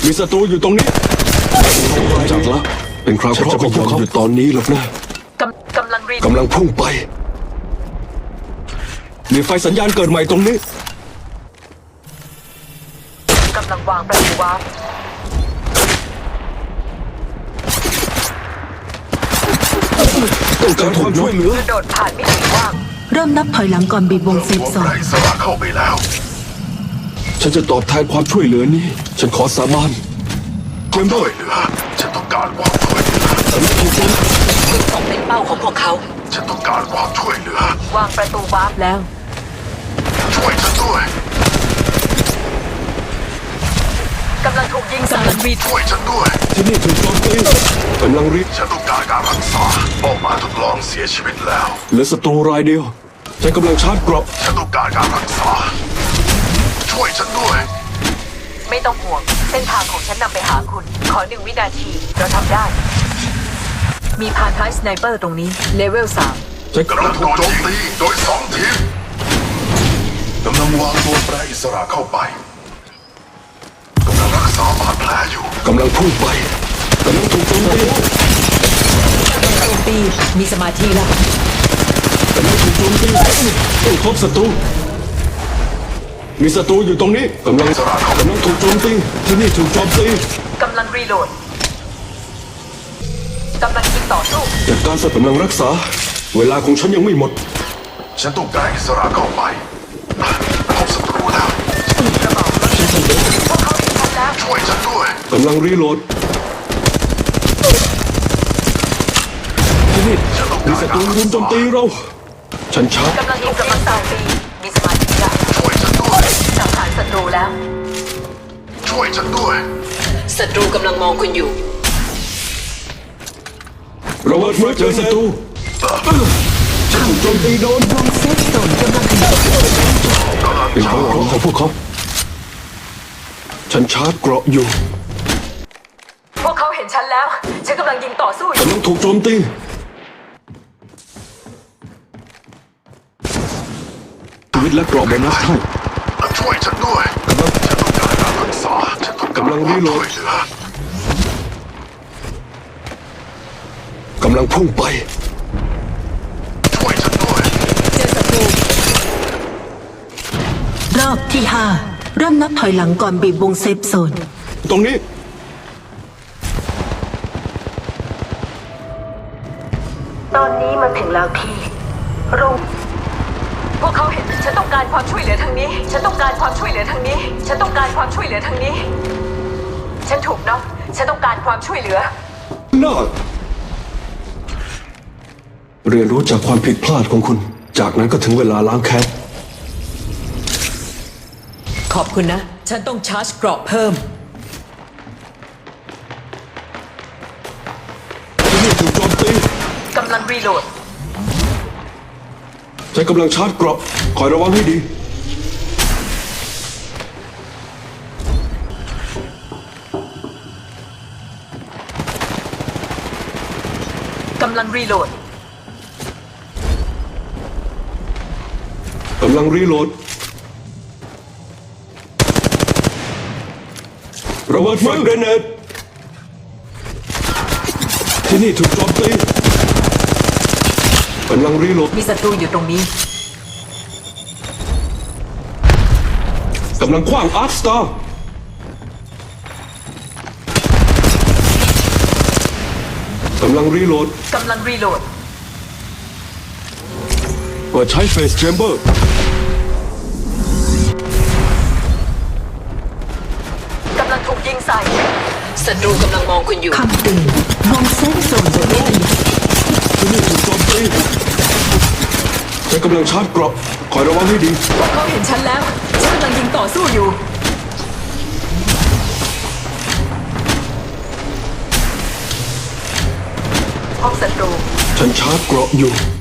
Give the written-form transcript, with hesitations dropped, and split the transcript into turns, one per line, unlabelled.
มีศัตรูอยู่ตรงนี้จักละเป็นคราวเคราะห์ของพวกเขาอยู่ตอนนี้หรอกนะ
กำลังรี
กำลังพุ่งไปมีไฟสัญญาณเกิดใหม่ตรงนี้
กำลังวางประตูวาร์ป
ต้องการความช่วยเหลือก
ระโดดผ่านมิติว่าง
เริ่มนับถอยหลังก่อนบีบวงเซฟโซน
ไร้สระเข้าไปแล้ว
ฉันจะตอบแทนความช่วยเหลือนี้ฉันขอสาบานเจมเบอ
ช่วย
ร์
เหลือฉันต้องการความช่วยเหลือ
ตกเป็นเป้าของพวกเขา
ฉันต้องการความช่วยเหลือ
วางประตูวาร์ปแล้ว
ช่วยฉันด้วย
กำลังถูกยิงใส่วี
ช่วยฉันด้วย
ที่นี่ถูกโจมตีกำลังรีบ
ฉันต้องการการรักษาออกมาทดลองเสียชีวิตแล้ว
เหลือศัตรูรายเดียวฉันกำลังชาร์จเกราะ
ฉันต้องการการรักษาช่วยฉันด้วย
ไม่ต้องห่วง เส้นทางของฉันนำไปหาคุณ ขอ1 วินาที เราทำได้ มีพานท้ายสไนเปอร์ตรงนี้ เลเวล 3
ฉัน
กำลังถูกโจมตีโดย2 ทีมกำลังวางตัวแปรอิสระเข้าไปกำลังรักษาบาดแผลอยู่
กำลังพุ่งไปกำลังถูกโจมตี
โจมตีมีสมาธิแล้ว
กำลังถูกโจมตีต้องพบศัตรูมีศัตรูอยู่ตรงนี้กำลังถูกโจมตีที่นี่ถูกโจมตี
กำลังรีโหลด กำลังยิงต่อสู้
จัดการสัตว์กำลังรักษา เวลาของฉันยังไม่หมด
ฉันต้องการอิสระเข้าไปพบศัตรูแล้ว
กระบอกรถพวกเขาเห็นฉันแล้ว
ช่วยฉันด้วย
กำลังรีโหลดที่นี่
ฉันต้อง
มี
การ
ศัต
กา
รู
ร
รุ
รั
ม
ก
โจม
ษา
ตีเรา ฉันชาร์จ
กำลังยิงกำลังโจมตีมีสมาธิแล้ว
ช่วยฉันด้วย
สังหารศัตรูแล้ว
ช่วยฉันด้วย
ศัตรูกำลังมองคุณอยู่
ระเบิดเมื่อเจอศัตรูฉันถูกโจมตีโดน
วงเซฟโซนกำลังขยับ
เป็นของของพวกเขาฉันชาร์จเกราะอยู่
พวกเขาเห็นฉันแล้ว ฉันกำลังยิงต่อสู้อยู่
กำลังถูกโจมตีชีวิตและเกราะโบนัสให้
ช่วยฉันด้วย ฉันต้องการการรักษา ฉันต้องการความช่วยเหลือก
ำลังพุ่งไป
ช่วยฉันด้วย
เจอศัตรู
รอบที่ 5 เริ่มนับถอยหลังก่อนบีบวงเซฟโซน
ตรงนี้
ตอนนี้มาถึงแล้วที่โรง
พวกเขาเห็น ฉันต้องการความช่วยเหลือทางนี้ ฉันต้องการความช่วยเหลือทางนี้ ฉันต้องการความช่วยเหลือทางนี้ ฉันถูกน็อกฉันต้องการความช่วยเหลือ
น่าเรียนรู้จากความผิดพลาดของคุณ จากนั้นก็ถึงเวลาล้างแค้น
ขอบคุณนะ ฉันต้องชาร์จเกราะเพิ่ม
ที่นี่ถูกโจมตี
กำลังรีโหลด
ฉันกำลังชาร์จเกราะคอยระวังให้ดี
กำลังรีโหลด
กำลังรีโหลดระเบิดไฟเกรเนตที่นี่ถูกโจมตีกำลังรีโหลด
มีศัตรูอยู่ตรงนี้
กำลังขว้างอาร์คสตาร์กำลังรีโหลด
กำลังรีโหลด
เปิดใช้เฟสแชมเบอร์
กำลังถูกยิงใส่ ศัตรูกำลังมองคุณอยู่
คำเตือนวงเซฟโซนจะไม่ขยับ
ที่นี่ถูกโจมตีฉันกำลังชาร์จเกราะคอยระวังให้ดี
พวกเขาเห็นฉันแล้ว ฉันกำลังยิงต่อสู้อยู่ พบศัตรู
ฉันชาร์จเกราะอยู่